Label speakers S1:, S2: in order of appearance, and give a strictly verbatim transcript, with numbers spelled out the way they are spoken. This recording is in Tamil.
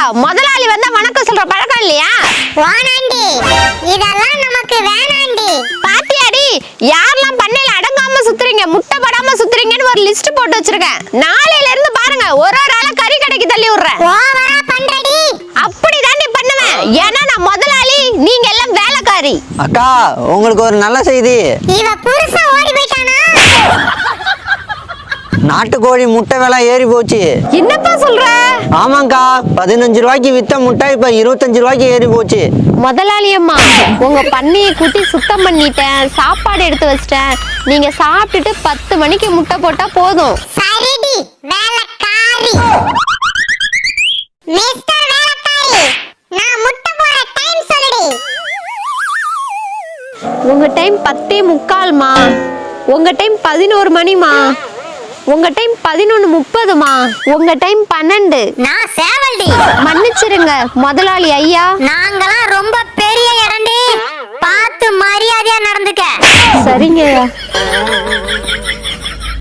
S1: முதலாளி வந்தா வணக்கம் சொல்ற பழக்கம் இல்லையா?
S2: வானாண்டி இதெல்லாம் நமக்கு வேணாண்டி.
S1: பாத்தியாடி யாரெல்லாம் பண்ணையில அடங்காம சுத்துறீங்க முட்டை படாம சுத்துறீங்கன்னு ஒரு லிஸ்ட் போட்டு வச்சிருக்கேன். நாளையில இருந்து பாருங்க ஒரு ஒரு ஆளா கறி கடைக்கு தள்ளி விடுறேன்.
S2: ஓவரா பண்றடி.
S1: அப்படிதான் நீ பண்ணுவேன். ஏன்னா நான் முதலாளி, நீங்க எல்லாம் வேலைக்காரி.
S3: அக்கா உங்களுக்கு ஒரு நல்ல செய்தி.
S2: இவ புருஷன் ஓடி போயிட்டானா?
S3: நாட்டுக்கோழி முட்டை விலை ஏறி போச்சு.
S1: என்னப்பா சொல்ற?
S3: ஆமாங்கா, பதினஞ்சு ரூபாய்க்கு வித்த முட்டை இப்ப இருபத்தஞ்சு ரூபாய்க்கு ஏறி போச்சு.
S1: முதலாளி அம்மா, உங்க பண்ணையை கூட்டி சுத்தம் பண்ணிட்டேன், சாப்பாடு எடுத்து வச்சிட்டேன். நீங்க சாப்பிட்டுட்டு பத்து மணிக்கு முட்டை போட்டா போதும்.
S2: சரிடி வேலைக்காரி. மிஸ்டர் வேலைக்காரி, நான் முட்டை போற டைம் சொல்லுடி.
S1: உங்க டைம் பத்தே முக்கால்மா. உங்க டைம் பதினோரு மணிமா. உங்க டைம் பதினொன்னு முப்பதுமா. உங்க டைம் பன்னெண்டு.
S2: நான் சேவல்டி.
S1: மன்னிச்சிருங்க முதலாளி ஐயா.
S2: நாங்கலாம் ரொம்ப பெரிய இடம்டி. பார்த்து மரியாதையா நடந்துக்க.
S1: சரிங்க.